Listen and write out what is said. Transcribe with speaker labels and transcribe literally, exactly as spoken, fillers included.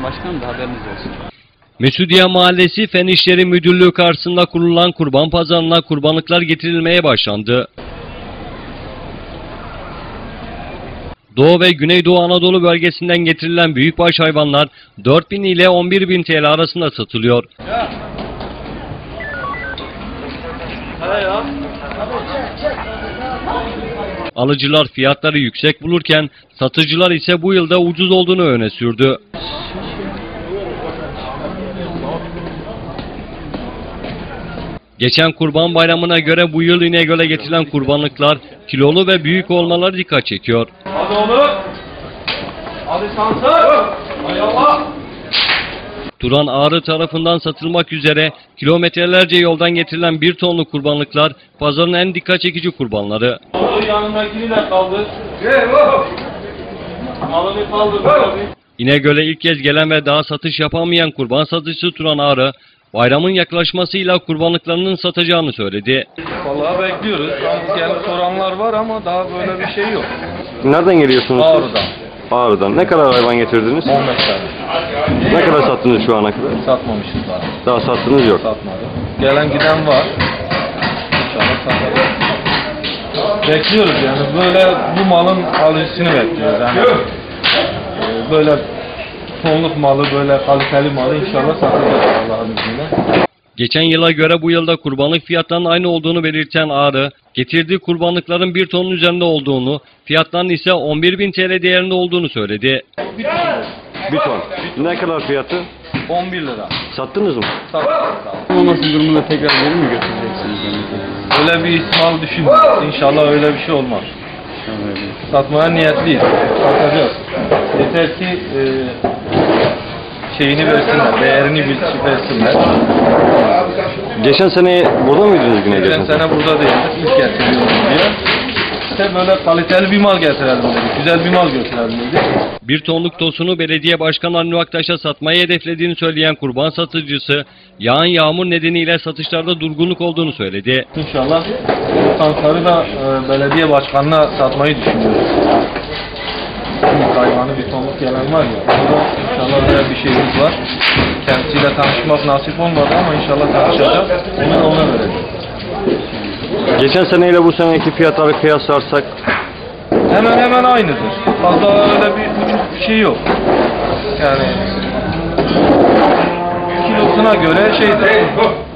Speaker 1: Başkanım da haberiniz olsun.
Speaker 2: Mesudiye Mahallesi Fen İşleri Müdürlüğü karşısında kurulan kurban pazarına kurbanlıklar getirilmeye başlandı. Doğu ve Güneydoğu Anadolu bölgesinden getirilen büyükbaş hayvanlar dört bin ile on bir bin T L arasında satılıyor. Alıcılar fiyatları yüksek bulurken satıcılar ise bu yılda ucuz olduğunu öne sürdü. Geçen Kurban Bayramı'na göre bu yıl İnegöl'e getirilen kurbanlıklar kilolu ve büyük olmaları dikkat çekiyor.
Speaker 3: Hadi oğlum. Hadi Sansar. Hay Allah.
Speaker 2: Turan Ağrı tarafından satılmak üzere kilometrelerce yoldan getirilen bir tonlu kurbanlıklar pazarın en dikkat çekici kurbanları.
Speaker 3: Oğlum yanındakini de kaldır. Malını kaldır.
Speaker 2: İnegöl'e ilk kez gelen ve daha satış yapamayan kurban satıcısı Turan Ağrı, bayramın yaklaşmasıyla kurbanlıklarının satacağını söyledi.
Speaker 3: Vallahi bekliyoruz. Yani soranlar var ama daha böyle bir şey yok.
Speaker 4: Nereden geliyorsunuz?
Speaker 3: Ağrı'dan.
Speaker 4: Ağrı'dan. Ne kadar hayvan getirdiniz?
Speaker 3: on beş tane.
Speaker 4: Ne kadar sattınız şu ana kadar?
Speaker 3: Satmamışız daha.
Speaker 4: Daha sattınız yok.
Speaker 3: Satmadı. Gelen giden var. İnşallah satarız. Bekliyoruz yani böyle bu malın alıcısını bekliyoruz. Yani e, böyle tonluk malı, böyle kaliteli malı inşallah satacağız Allah'ın izniyle.
Speaker 2: Geçen yıla göre bu yılda kurbanlık fiyatlarının aynı olduğunu belirten Ağrı, getirdiği kurbanlıkların bir tonun üzerinde olduğunu, fiyatlarının ise on bir bin T L değerinde olduğunu söyledi.
Speaker 4: Bir ton. Ne kadar fiyatı?
Speaker 3: on bir lira.
Speaker 4: Sattınız mı?
Speaker 3: Sattık.
Speaker 1: Olması durumunda tekrar geri mi götüreceksiniz?
Speaker 3: Öyle bir ihtimal düşünmüyoruz. İnşallah öyle bir şey olmaz. Satmaya niyetliyiz. Satacağız. Yeter ki e, şeyini versinler, değerini bilip versinler.
Speaker 4: Geçen sene burada mıydınız yine?
Speaker 3: Geçen sene burada değildik. İlk getiriyoruz diye. İşte böyle kaliteli bir mal getirelim dedik. Güzel bir mal götürelim dedik.
Speaker 2: Bir tonluk tosunu belediye başkanı Avni Aktaş'a satmayı hedeflediğini söyleyen kurban satıcısı, yağan yağmur nedeniyle satışlarda durgunluk olduğunu söyledi.
Speaker 3: İnşallah tankları da e, belediye başkanına satmayı düşünüyoruz. İlk hayvanı bir tonluk gelen var ya, burada inşallah öyle bir şeyimiz var. Kendisiyle tanışmak nasip olmadı ama inşallah tanışacağız. Onu da ona vereceğiz.
Speaker 4: Geçen seneyle bu seneki fiyatları kıyaslarsak
Speaker 3: Hemen hemen aynıdır. Fazla öyle bir ucuz bir şey yok. Yani kilosuna göre şeydir.